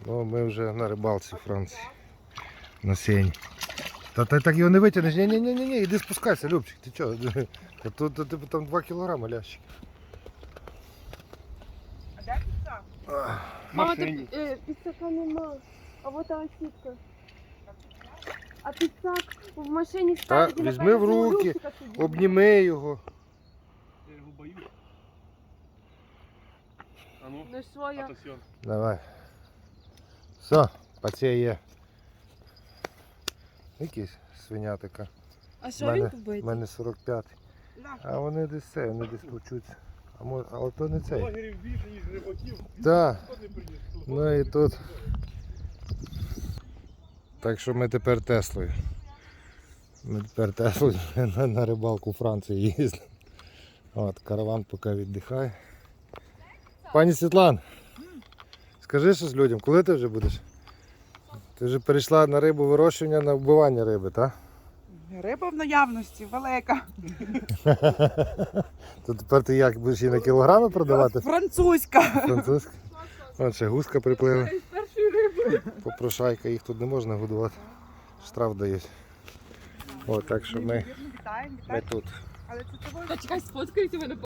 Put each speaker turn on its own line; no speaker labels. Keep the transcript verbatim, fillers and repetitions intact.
Ну, ми вже на рибалці в Франції. На сені. Та ти так його не витягнеш. Ні-ні-ні, іди спускайся, Любчик. Ти чого? Та тут, тут, тут там два кілограми лящик.
А де піца?
Мама, тут е, піцака нема. А вот там сітка. А піцак в машині
Та
ставить і
візьми
наперед
в руки,
Любчика сидить.
обніми його.
Я його боюсь. А ну,
Ну що я?
атасьон.
Давай. Все, паціє є. Якийсь свинятика.
А
У
що
мене,
він побитий?
в мене сорок п'ять. А вони десь це, вони десь почуться. А може, але то не цей.
Блогерів більше, ніж рибаків.
Так.
Хто не приніс?
Ну і тут. Так що ми тепер Теслою. Ми тепер Теслою на, на рибалку у Франції їздимо. От, караван поки віддихає. Пані Світлан, скажи щось людям, коли ти вже будеш? Ти вже перейшла на рибу вирощування, на вбивання риби, так?
Риба в наявності, велика.
То тепер ти як, будеш її на кілограми продавати?
Французька.
Французька. От ще гуска приплила. Попрошайка, їх тут не можна годувати. Штраф дають. О, так що ми,
Вітаємо,
ми
вітаємо.
тут.
Але це того,
Та чекай, сфоткайте мене.